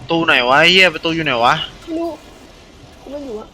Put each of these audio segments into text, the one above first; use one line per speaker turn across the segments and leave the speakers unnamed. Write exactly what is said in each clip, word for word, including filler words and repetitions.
ตูไหนวะเฮียประตูอยู่ไหนวะ
ไม่รู้กูไม่อยู่อะ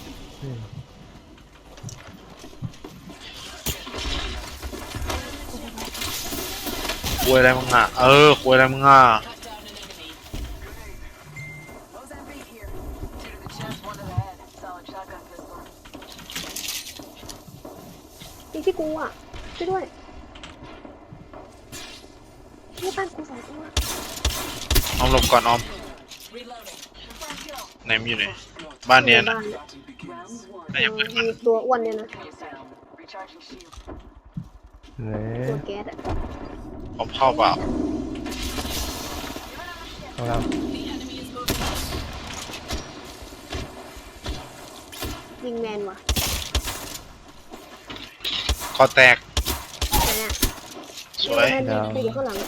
ควยอะไรมึงอ่ะเออควยอะไรมึงอ่ะ
นี่ที่กูอะช่วยด้วยนี่บ้านกูสองตัว
ออมหลบก่อนออมไหนมันอยู่ไหนบ้านเนี้ยนะไอ้ยังไงมัน
ตัวอ้วนเนี่ยนะ
ไหน
ตัวแก๊สอะ
ออมเข้าเปล่า
ของเรา
ยิงแมนว่ะ
คอแตก
ไหนอะ
สวย
แมนยิงไปอยู่ข้างหลังอะ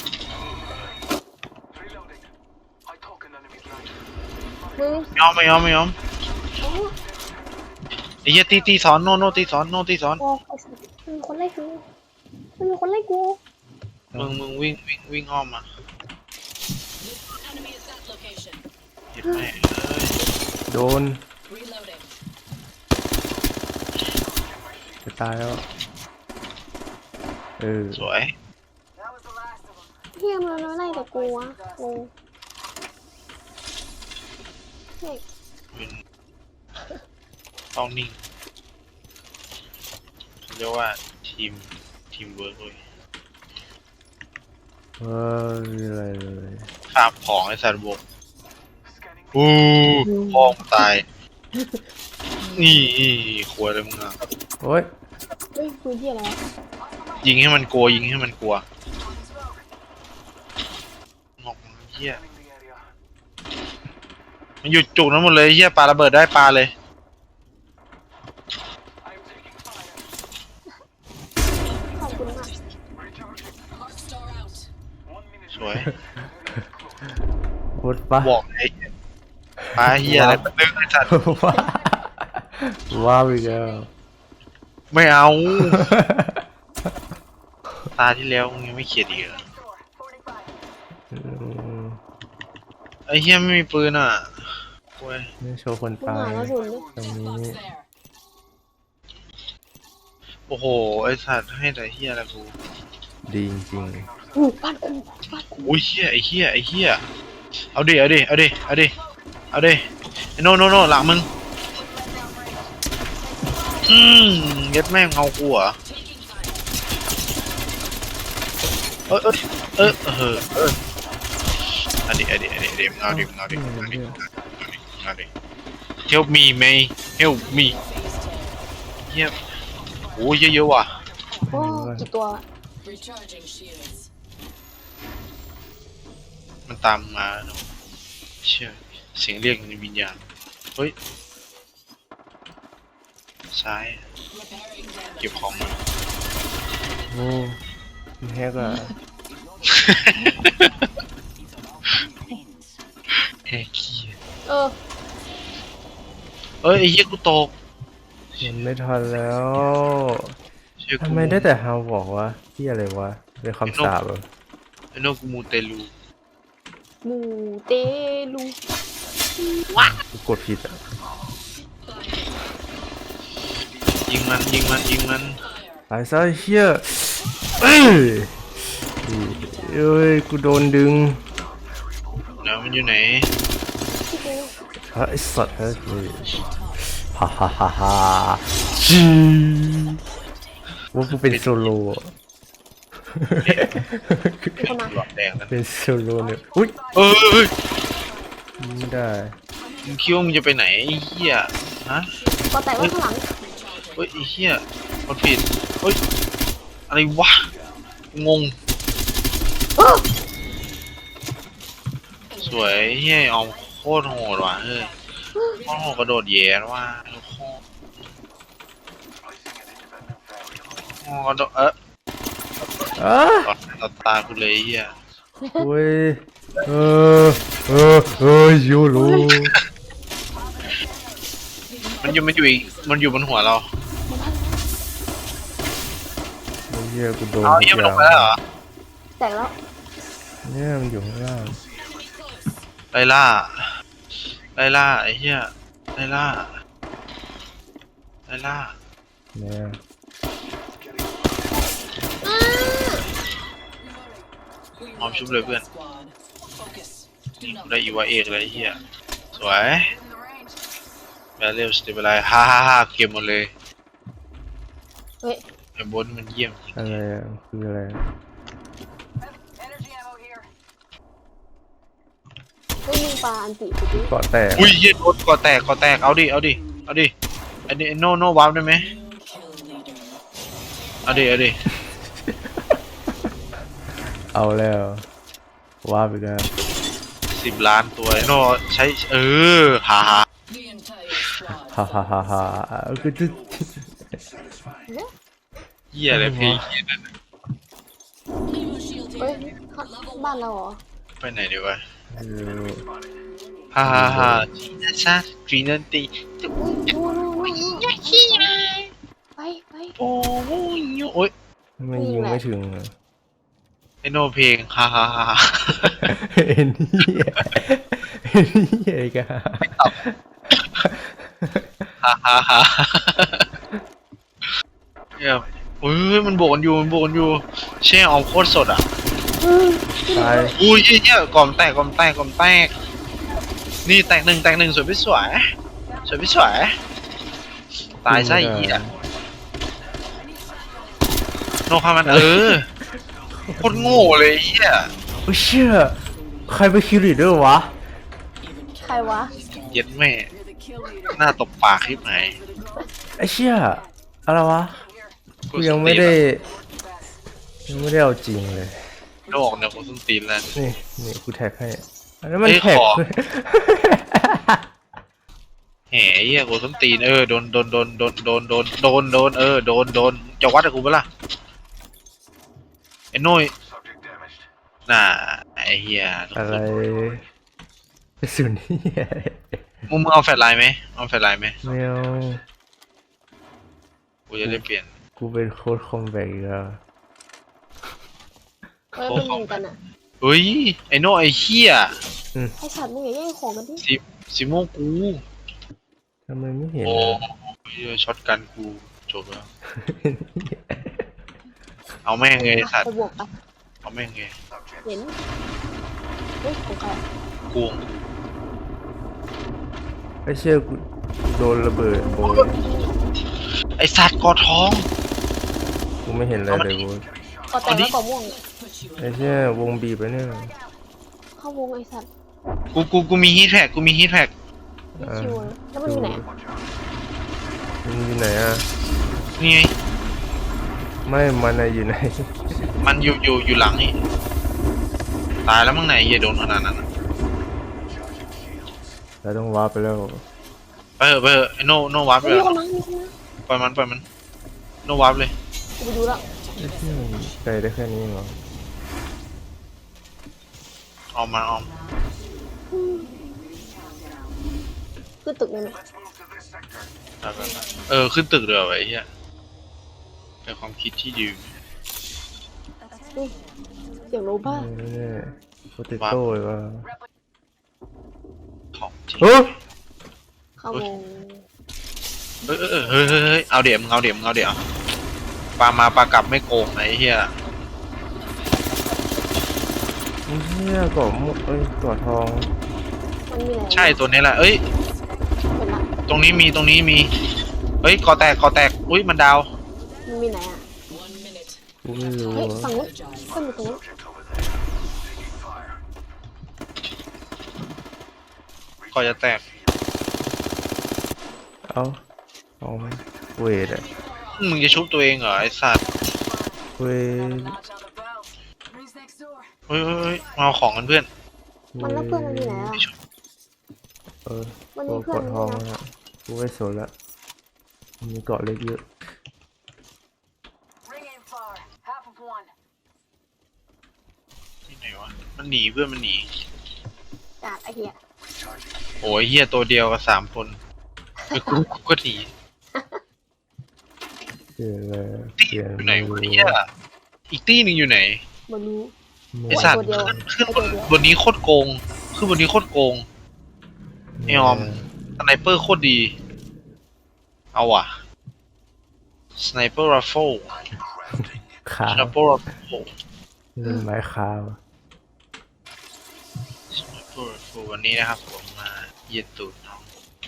มึง
ไม่ยอมไม่ยอมไม่ยอม
โอ้
ไอ้เหี้ยตีตีสอนโนโนตีสอนโนตีสอน
โหไอ้สัตว์มันมีคนไล่กูมันมีคนไล่กู
มึงมึงวิ่งวิ่งวิ่งอ้อมมาเห็นไหมเอ้ย
โดนจะตายแล้วเออ
สวย
เฮียมันมาไล่แต่กูอะกูเฮ้ย
เป็นต้องนิ่งเรียกว่าทีมทีมเวิร์กเลย
เออมีอะไรเลย
ข้ามของไอ้สัตว์บกอู้พ่อมึงตายนี่ควยเลยมึงอ่ะ
โอ้ย
เฮ้ยคือที่อะไรวะ
ยิงให้มันกลัวยิงให้มันกลัวงอกเหี้ยมันหยุดจุกนั้นหมดเลยเหี้ยปาระเบิดได้ปาเลย
ขอบคุณมาก
สวย
โคตรปะ
บอกไอ้ปาเหี้ยอะไรมันนึกไอ้สัตว์
ว้าว้าวอีกแล้ว
ไม่เอาตาที่แล้วมึงยังไม่เขียดอีกเหรอ
อืม
ไอ้เหี้ยไม่มีปืนอ่ะโว้ย
นี่โชว์คน
มึง
ตาย
หาแล้วสุนดิ
ตรงนี้
โอ้โหไอ้สัตว์ให้แต่เหี้ยอะไรกู
ดีจริง
อู้บ้านกูบ้านกู
โอ้ยเหี้ยไอ้เหี้ยไอ้เหี้ยเอาดิเอาดิเอาดิเอาดิเอาดิไอ้โนโนโนหลังมึงอืมเย็ดแม่งเอากูเหรอเออเออเออเออเอออันนี้อันนี้อันนี้อันนี้มึงเอาดิมึงเอาดิมึงเอาดิมึงเอาดิ help me May help me เหี้ยโอ้ยเยอะๆว่ะ
โอ้กี่ตัวอะ
มันตามมาเชื่อเสียงเรียกในวิญญาณเฮ้ยซ้ายเก็บของมา
ๆโอ้มีแฮกอะ
แอ้ขี้
เออ
เอ้ยไอ้เหี้ยกูตก
มันไม่ทันแล้ว
เชื่อกู
ทำไมได้แต่ฮาวบอกว่าที่อะไรวะเป็นคำสาปเหรอ
ไอ้โนกูมูเตลู
หมูเตลู
กูกดผิดอ่ะ
ยิงมันยิงมันยิงมัน
ตายซะไอ้เฮียเอ้ยเอ้ยกูโดนดึง
เนาะมันอยู่ไหน
ที่กู
ฮะไอสัตว์เฮ้ยฮ่าฮ่าฮ่าฮ่าจีว่ากูเป็นโซโล่อะ
มีคนมา
หลอดแดงนั่น
เป็นโซโล่เนี่ยอุ้ย
เอ้ย
ไม่ได้
มึงคิดว่ามึงจะไปไหนไอ้เหี้ยฮะ
ก็แตกไว้ข้างหลัง
เฮ้ยไอ้เหี้ยมันผิดเฮ้ยอะไรวะงง
เออ
สวยเฮ้ยเอาโคตรโหดว่ะเฮ้ยโคตรโหดกระโดดแย่ว่ะโคตรโหดกระโดดเออ
อ้า
ต่อตากูเลยเฮีย
โอ้ยเออเออเออยูรู
มันอยู่มันอยู่อีกมันอยู่บนหัวเรา
ไอ้เหี้ยกูโดน
เอา
ทุก
เฮีย
อ
มันล
ย่าง ง
ไปแล้วเหรอ
แตกแล้ว
เนี่ยมันอยู่ข้างล่าง
ไล่ล่าไล่ล่าไอ้เหี้ยไล่ล่าไล่ล่า
เนี่ย
หอมชุบเลยเพื่อนนี่กูได้อีวาเอกเลยไอ้เหี้ยสวยแบลเลลสเตเบลไลฮ่าฮ่าฮ่าเก็บหมดเลย
เฮ้ย
ไอ้บนมันเยี่ยม
อะไรอ่ะคืออะไร
เฮ้ยมึงปาอันติกูดิ
เกาะแตก
อุ้ยเหี้ยโดนก่อแตกก่อแตกเอาดิเอาดิเอาดิอันนี้โนโนวาร์ปได้ไหมเอาดิเอาดิ
เอาแล้วว่าไปแล้ว
สิบล้านตัวไอ้โนใช้เออฮ่าฮ่า
ฮ่าฮ่าฮ่าฮ่าคือจะ
เหี้ยอะไรเพลงเหี้ยนั่นน่ะ
เฮ้ยบ้านเราเหรอ
ไปไหนดีวะ
เออ
ฮ่าฮ่าฮ่าจีน่าชาจีนันตี
อุ้ยนู่นนู่นนู่นนู่นไปไป
โอ้ยโอ้ย
ไม่ยิงไม่ถึงเหรอ
ไอโนเพลงฮ่าฮ่าฮ่า
เอ็นนี่เอ็นนี่ไอ้กะ
ฮ่าฮ่าฮ่าเฮ้ยเฮ้ยมันโบกกันอยู่มันโบกกันอยู่แช่ออมโคตรสดอ่ะ
อืม
ตาย
อุ้ยเหี้ยกล่อมแตกกล่อมแตกกล่อมแตกนี่แตกหนึ่งแตกหนึ่งสวยพี่สวยสวยพี่สวยตายซะไอ้เหี้ยโนพามันเออโคตรโง่เลยไอ้เหี้ย
โอ้เชี่ยใครไปคิวลีดด้วยวะ
ใครวะ
เย็ดแม่หน้าตบปากคลิปไหน
ไอ้เชี่ยอะไรวะกูยังไม่ได้ยังไม่ได้เอาจริงเลย
โลกเนี่ยกูส้นตีนแล้ว
นี่นี่กูแท็กให้อันนั้นมัน
เอ้ย
แท็ก
ขอ แหมเหี้ยกูส้นตีนเออโดนโดนโดนโดนโดนโดนโดนโดนเออโดนโดนจะวัดกับกูปะล่ะไอ้โน้ยน่าไอ้เหี้ย
อะไรสุดนี่
มึงมึงเอาแฟลชไลน์ไหมเอาแฟลชไลน์ไหม
ไม่เอา
กูจะได้เปลี่ยน
กูเป็นโค้ดคอมแบกอีกแล้ว
เฮ้ยเป็นมึงกันอ่ะ
เฮ้ยไอ้โน่ไอ้เหี้ย
ไอสัตว์มึงอย่าแย่งของกันดิ
สิสิโมกู
ทำไมไม่เห็น
โอ้
อะ
ยช็อตกันกูจบแล้วเอาแม่งเลยสัต
ไป
ว์
บวกไป
เอาแม่งเลย
เห็นเฮ้ยของใคร
กู
ไอ้เชี่ยกูโดนระเบิดโอ้ย
ไอ้สัตว์กอทอง
กูไม่เห็นอะไรเลยโว้ย
ก็แต่งแล้วก็ม่วง
ไอ้เชี่ยวงบีบไปเนี่ย
เข้าวงไอสัตว์
กูกูกูมีฮีทแท็กกูมีฮีทแท็ก
ไม่คิวเลยแล้วมันอยู่ไหนอะ
มันอยู่ไหนอ่ะ
นี่ไง
ไม่มันอะอยู่ไหน
มันอยู่อยู่อยู่หลังนี่ตายแล้วมั้งไหนเหี้ยโดนขนาดนั้นอะ
เราต้องวาร์ปไปแล้ว
ไปเถอะไปเถอะไอ้โน่โน่วาร์ปไป
เฮ้ย
เล
มี
ย
คนมามีคนมา
ปล่อยมันปล่อยมันโน่วาร์ปเลย
กูไปดูแล้ว
ไอ้เชี่ยมันไกลได้แค่นี้เหรอ
ออกมาออก
ขึ้นตึกเลยไหม
ได้ไปไปเออขึ้นตึกเรือไว้ไอ้เหี้ยเป็นความคิดที่ดี
เฮ้ยเสียงโรบ้า
นี่โปเตโต้เลยวะ
ของจริง
โอ้
เข้าวง
เฮ้ยเฮ้ยเฮ้ยเฮ้ยเฮ้ยเอาเดี๋ยวมึงเอาเดี๋ยวมึงเอาเดี๋ยวปลามาปลากลับไม่โกงไอ้เหี้ย
ไอ้เชี่ยเกาะมุกเอ้ยเกาะทอง
มันมีอะไร
ใช่ตัวนี้แหละเอ้ย
เห็นละ
ตรงนี้มีตรงนี้มีเฮ้ยกอแตกกอแตกอุ้ยมันดาว
มันมีไหนอ่ะ
กูไม่รู้
เฮ้ย
อะ
ฝั่งนู้นขึ้นอยู่ตรงนู้น
กอจะแตก
เอาเอาไหมเวทอะ
มึงจะชุบตัวเองเหรอไอ้สัตว์
เวท
เฮ้ยเฮ้ยเฮ้ยมาเอาของกันเพื่อน
มันแล้วเพื่อนมันอยู่ไหนอ่ะ
เออ
มันมี
ตัว
เพื่อน
เกาะทองอะกูไม่สนละมีเกาะเล็กเยอะ
ที่ไหนวะมันหนีเพื่อนมันหนี
กาดไอเหี้ย
โอ้ยเหี้ยตัวเดียวกับสามคนเออกูกูก็หนี
เปลี่ยนเลย
ตี
เปลี่ยน
อยู่ไหน
ไม่
วะ
รู้
เหี้ยอีกตีหนึ่งอยู่ไหน
มันรู้
ไม่
ไอสัตว์
ตัวเดียว
ขึ้นขึ้นบน
ตัวเดียว
บนนี้โคตรโกงขึ้นขึ้นบนนี้โคตรโกงไอออมสไนเปอร์โคตรดีเอาว่ะสไนเปอร์รัฟเฟิล
ขา
สไนเปอร์รัฟเฟิล
เล่นไม้คาว
สไนเปอร์รัฟเฟิลวันนี้นะครับผมมาเหยียดตูดน้อง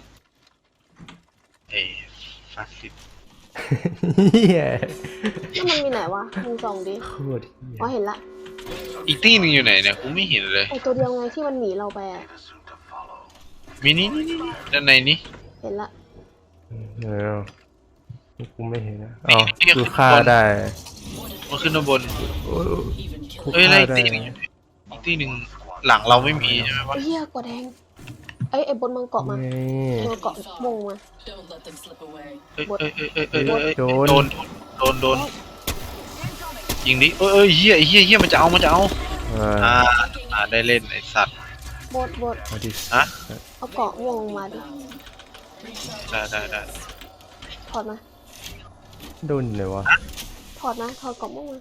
เอฟาสิบ
เฮีย
แล้วมันมีไหนวะมึงส่องดิ
โคตรเฮีย
อ๋อเห็นละ
อีกตี้หนึงอยู่ไหนเนี่ยกูไม่เห็นเลย
ไอตัวเดียวไงที่มันหนีเราไปอะ
มีนี่นี่นี่ด้านในนี้
เห็นละ
เออกูไม่เห็นนะอ๋อกูฆ่าได้
มันขึ้นมาบน
โอ้ยกู
เอ้ยอะไร
ฆ่า
อีก
ได้
ตี้หนึงอยู่ไหนอีกตี้หนึ่งหลังเราไม่มีใช่ไหมวะ
ไอ้เหี้ยกว่าแดงไอ้ไอ้บนมังเกาะมา
นี่
เออเกาะมงมา
Don't let them slip away.
เอ้ยเอ้ยเอ้ยเอ้ยเอ้ยเอ้ยเอ้ย
โด
โด
น
นโดนโดนยิงดิเอ้ยเอ้ยเฮียเฮียเฮียมันจะเอามันจะเอา
เออ
อ่าอ่าได้เล่นไอสัตว์
บดบด
เอาดิ
ฮะ
เอาเกาะม่วงมาดิ
ได้ได้ได้
ถอดมา
โดนเลยวะ
ถอดมาถอดเกาะม่วงมา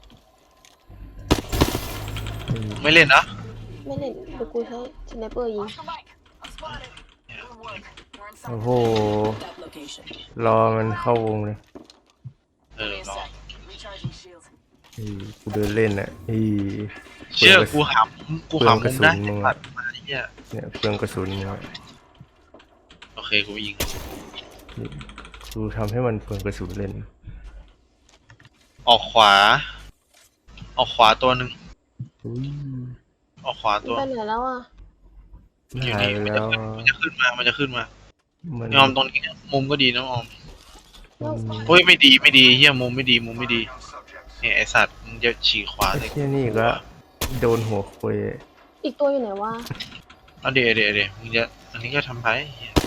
ไม่เล่นนะ
ไม่เล่นเดี๋ยวกูใช้สไนเปอร์ยิง
โอ้โห
That location.
รอมันเข้าวงเลย
เออรอ
อีกูเดินเล่นอ่ะอี
เชื่อกูหำกูหำ
เปลื
มึ
อง
ง
กระ
ได้
สุนมึง
ตั
อะ
ดมาเฮีย
เนี่ยเปลืองกระสุนเนี่ย
โอเคกูยิง
กูทำให้มันเปลืองกระสุนเล่น
ออกขวา ออกขวาตัวหนึ่ง
อุ้ย
ออกขวา
มัน
ตัว
ไปไหนแล้วอ่ะ
มันหายไปแล้ว
มันจะขึ้นมามันจะขึ้นมา
มัน
ยอมตรงนี้มุมก็ดีนะออม
แล้ว
เฮ้ยไม่ดีไม่ดีเฮียมุมไม่ดีมุมไม่ดีเนี่ยไอสัตว์มึงจะฉีกขวา
ไอ้
เลย
เที่ยนี่ก็โดนหัวคุย
อีกตัวอยู่ไหนวะ
เอาเดี๋ยวเดี๋ยวเดี๋ยวมึงจะอันนี้ก็ทำไปเหี้ย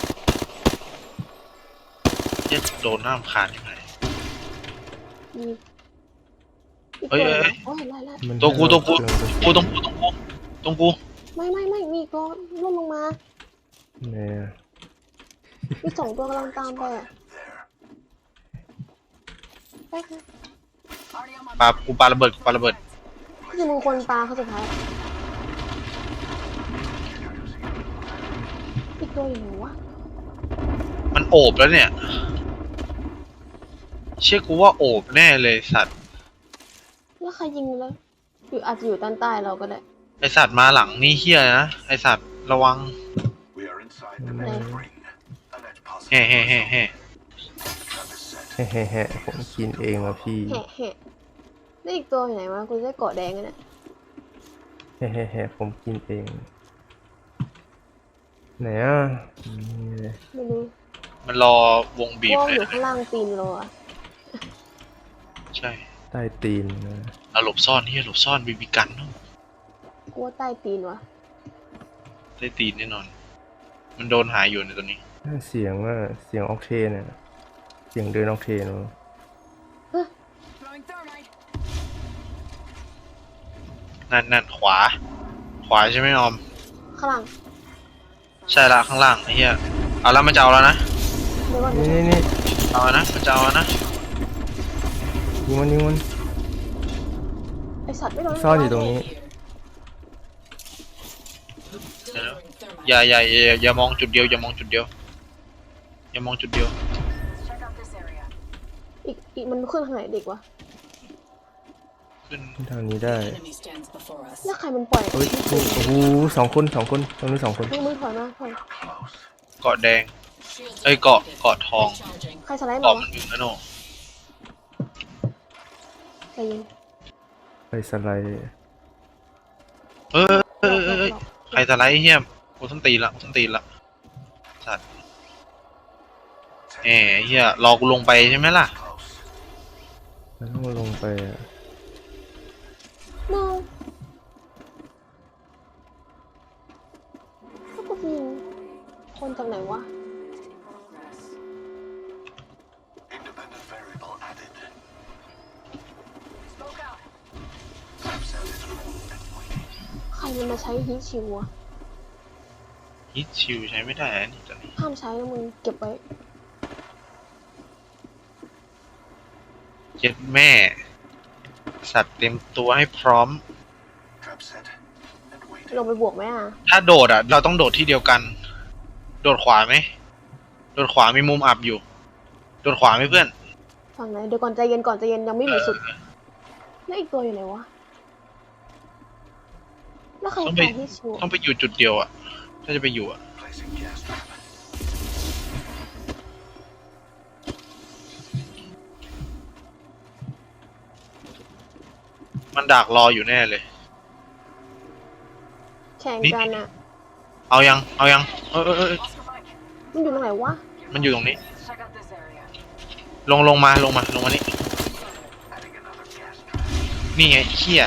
เหี้ยโดนหน้ารำคาญยังไง
มีอีก
เอ้
ตัวย อยู่
เอ้
ไหน
ย
โอ้เห็นละเห็นละ
มัน
ตัวกูตัวกู
เปลืองระสุน
กูตรงกูตรงกูตรงกู
ไม่ไม่ไม่มีก็ล่นลงมา
เนี่ย
มีสองตัวกำลังตามไปอ่ะไปค่ะ
ปากูปาระเบิดกูปาระเบิด
ที่มึงคนปลาเขาสุดท้ายอีกตัวอยู่ไหนวะ
มันโอบแล้วเนี่ย เชื่อกูว่าโอบแน่เลยสัตว์
แล้วใครยิงแล้วอยู่อาจจะอยู่ด้านใต้เราก็ได้
ไอสัตว์มาหลังนี่เฮียนะไอสัตว์ระวัง
We are inside the
Okay.
next ring. Alleged
แฮ่แฮ่แฮ่แฮ่
The trap is set.
แฮ่แฮ่ๆผมกินเองว่ะพี่
แหะแหะแล้วอีกตัวอยู่ไหนวะกูจะได้เกาะแดงกันเนี่ย
แฮ่แฮ่แฮ่ผมกินเองไหนอ่ะนี่เลย
ไม่รู้
มันรอวงบีบ
ว่อง
เล
อย ยู่ข้างล่างตีนเราอะ
ใช่
ใต้ตีนนะ
เอาหลบซ่อนเฮียหลบซ่อนบีบีกันเนาะ
กูว่าใต้ตีนวะ
ได้ตีนแน่นอน มันโดนหายอยู่ในตัวนี้
เสียงว่าเสียงออกเทนเนี่ยเสียงเดินออกเทนวะ
Throwing thermite.
นั่นนั่นขวา ขวาใช่ไหมออม
ข้างล่าง
ใช่ละข้างล่างไอ้เหี้ยเอาแล้วมันจะเอาแล้วนะ
เดี๋ยวก่อน
นี่
เดี๋ยวก่อน
นี่นี่
เอาแล้วนะมันจะเอาแล้วนะ
ยิงมันยิงมัน
ไอสัตว์ไม่โดน
ซ่อนอยู่ตรงนี้
เดี๋ยวอย่าอย่าอย่าอย่ามองจุดเดียวอย่ามองจุดเดียวอย่ามองจุดเดียว
อีกอีกมันขึ้นทางไหนเด็กวะ
ขึ้น
ทางนี้ได้
Enemy stands before us.
แล้วใครมันปล่อย
เฮ้ยโอ้โหสองคนสองคนตรงนี้สองคน
มึงมึงถอยมาถอย
เกาะแดง เอ้ยเกาะเกาะทอง
Recharging.
ใครสไลด์
เกาะ
มา
มันถึงนะโน่
ใจเย็น
ไปสไลด์
เออเออเออเออใครสไลด์เฮียมกูต้องตีละกูต้องตีละสัตว์แหมเฮียรอกูลงไปใช่ไหมล่ะ
แล้วต้องลงไปอะ
โน้แล้วกูยิงคนจากไหนวะ
Independent variable added.
ใครมันมาใช้ฮีทชิวอะ
ฮิตชิวใช้ไม่ได้นะนี่ตอนนี้
ห้ามใช้นะมึงเก็บไว้
เจ็ดแม่ สัตว์เต็มตัวให้พร้อม
Trap set and waiting.
ลงไปบวกไหมอ่ะ
ถ้าโดดอ่ะ เราต้องโดดที่เดียวกัน โดดขวาไหมโดดขวามีมุมอับอยู่ โดดขวาไหมเพื่อน
ฝั่งไหนเดี๋ยวก่อนใจเย็นก่อนใจเย็นยังไม่หนีสุดแล้วอีกตัวอยู่ไหนวะแล้วใคร
ต้องไป
ใครที่ชัวร์
ต้องไปอยู่จุดเดียวอ่ะ ถ้าจะไปอยู่อ่ะ
Placing gas trap.
มันดักรออยู่แน่เลย
แข่งกันอ่ะ
เอายัง เอายัง เออเออเออ
มันอยู่ตรงไหนวะ
มันอยู่ตรงนี้
Check out this area.
ลงลงมาลงมาลงมานี่
Adding another gas trap.
นี่ไงเขี้ย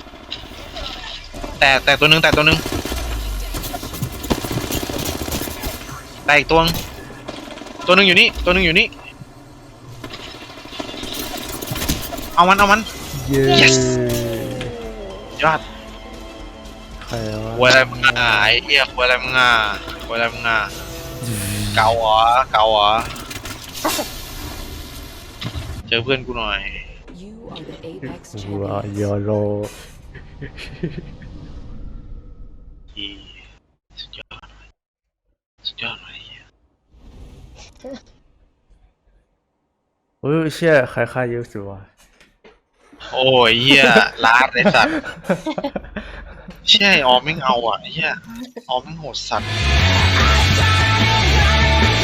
แต่แต่ตัวหนึงแต่ตัวหนึงแต่อีกตัวนึงตัวหนึงอยู่นี่ตัวหนึงอยู่นี่เอามันเอามัน
เย้
Yes ยอด
ใครวะ
ควยอะไรมึงอ่ะไอ้เหี้ยควยอะไรมึงอ่ะควยอะไรมึงอ่ะเกาเหรอเกาเหรอเจอเพื่อนกูหน่อย
You are the Apex
ว้า
champions.
โยโร
อีสุดยอดสุดยอดเลยเหี้ย
เฮ้ยเชี่ยใครฆ่าเยอะสุดวะ
โอ้ยเหี้ยลาดไอ้สัตว์เชี่ยไอ้ออมไม่งเอาอ่ะไอ้เหี้ยออมไม่งโหดสัตว์